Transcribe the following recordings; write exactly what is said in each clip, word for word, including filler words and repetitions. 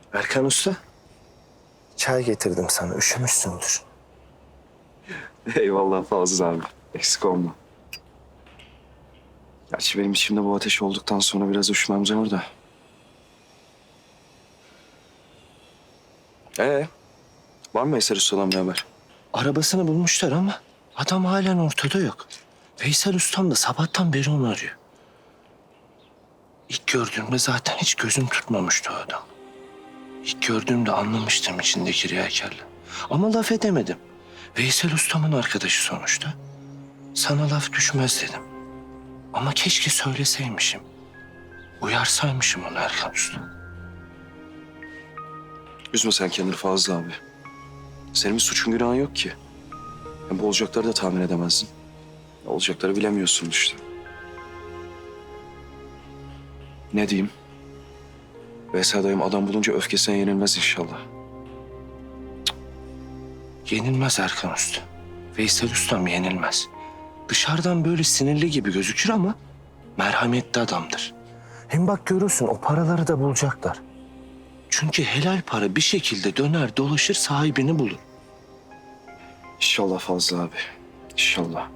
Erkan Usta, çay getirdim sana. Üşümüşsündür. Eyvallah Fazıl abi. Eksik olma. Gerçi benim içimde bu ateş olduktan sonra biraz üşümem zor da. Ee, var mı Veysel Usta'dan bir haber? Arabasını bulmuşlar ama adam halen ortada yok. Veysel Ustam da sabahtan beri onu arıyor. İlk gördüğümde zaten hiç gözüm tutmamıştı o adam. İlk gördüğümde anlamıştım içindeki riyakarlığı. Ama laf edemedim. Veysel Ustam'ın arkadaşı sonuçta. Sana laf düşmez dedim. Ama keşke söyleseymişim. Uyarsaymışım onu Erkan Usta. Üzme sen kendini Fazıl abi. Senin bir suçun günahın yok ki. Hem bu olacakları da tahmin edemezdin. Olacakları bilemiyorsun işte. Ne diyeyim? Veysel dayım adam bulunca öfkesine yenilmez inşallah. Yenilmez Erkan Usta. Veysel Ustam yenilmez. Dışarıdan böyle sinirli gibi gözükür ama merhametli adamdır. Hem bak görürsün o paraları da bulacaklar. Çünkü helal para bir şekilde döner dolaşır sahibini bulur. İnşallah Fazıl abi. İnşallah.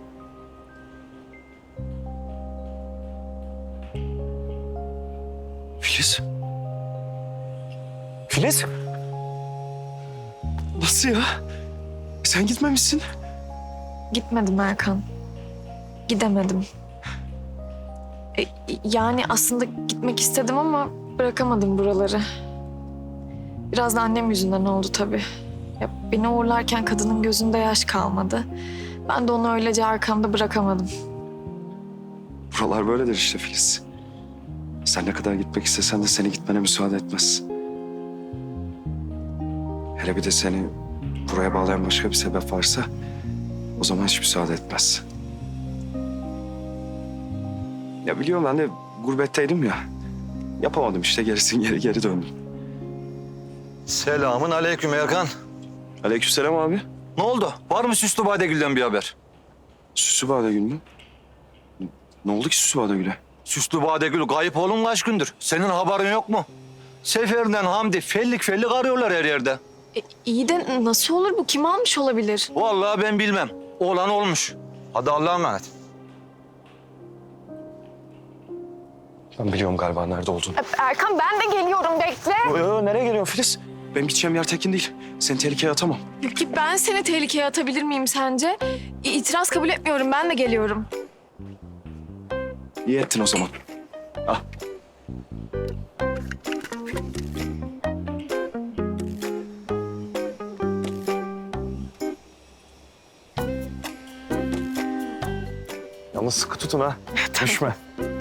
Filiz. Filiz. Nasıl ya? Sen gitmemişsin. Gitmedim Erkan. Gidemedim. E, yani aslında gitmek istedim ama bırakamadım buraları. Biraz da annem yüzünden oldu tabii. Ya, beni uğurlarken kadının gözünde yaş kalmadı. Ben de onu öylece arkamda bırakamadım. Buralar böyledir işte Filiz. Sen ne kadar gitmek istesen de seni gitmene müsaade etmez. Hele bir de seni buraya bağlayan başka bir sebep varsa o zaman hiç müsaade etmez. Ya biliyorum ben de gurbetteydim ya. Yapamadım işte gerisin geri geri döndüm. Selamın aleyküm Erkan. Aleykümselam abi. Ne oldu? Var mı Süslü Badegül'den bir haber? Süslü Badegül mü? Ne oldu ki Süslü Badegül'e? Süslü Badegül kayıp oğlum kaç gündür. Senin haberin yok mu? Seferinden Hamdi fellik fellik arıyorlar her yerde. E, iyi de nasıl olur bu? Kim almış olabilir? Vallahi ben bilmem. Olan olmuş. Hadi Allah'a emanet. Ben biliyorum galiba nerede olduğunu. Erkan ben de geliyorum bekle. Yo, nereye geliyorsun Filiz? Benim gideceğim yer tekin değil. Seni tehlikeye atamam. Peki ben seni tehlikeye atabilir miyim sence? İ- İtiraz kabul etmiyorum ben de geliyorum. İyi ettin o zaman. Al. Yalnız sıkı tutun ha. Düşme.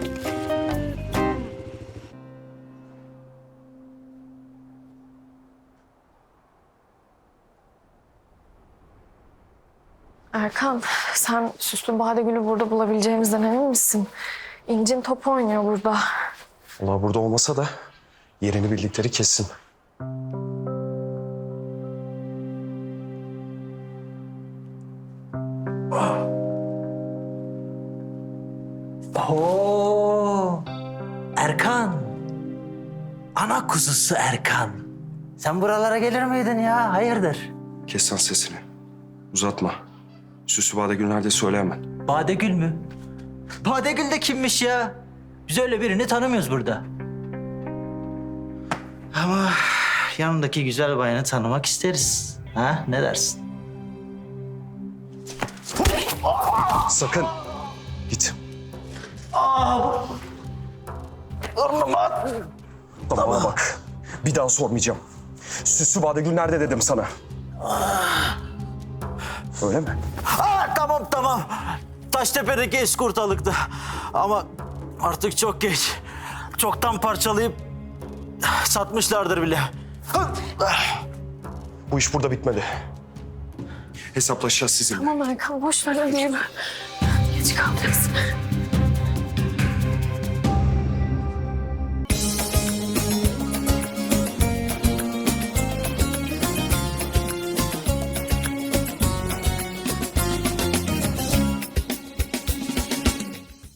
Erkan, sen Süslü Badegül'ü burada bulabileceğimizden emin misin? İncin top oynuyor burada. Allah burada olmasa da yerini bildikleri kesin. Oo, Erkan. Ana kuzusu Erkan. Sen buralara gelir miydin ya? Hayırdır? Kes lan sesini. Uzatma. Süslü Badegül nerede söyle hemen. Badegül mü? Badegül de kimmiş ya? Biz öyle birini tanımıyoruz burada. Ama yanındaki güzel bayanı tanımak isteriz. Ha? Ne dersin? Sakın. Git. Bana bak. Bir daha sormayacağım. Süslü Badegül nerede dedim sana. Öyle mi? Aa, tamam tamam. Taştepe'deki eskortalıkta. Ama artık çok geç. Çoktan parçalayıp satmışlardır bile. Bu iş burada bitmedi. Hesaplaşacağız sizinle. Tamam Erkan boş ver hadi yürü. Geç kalacaksın.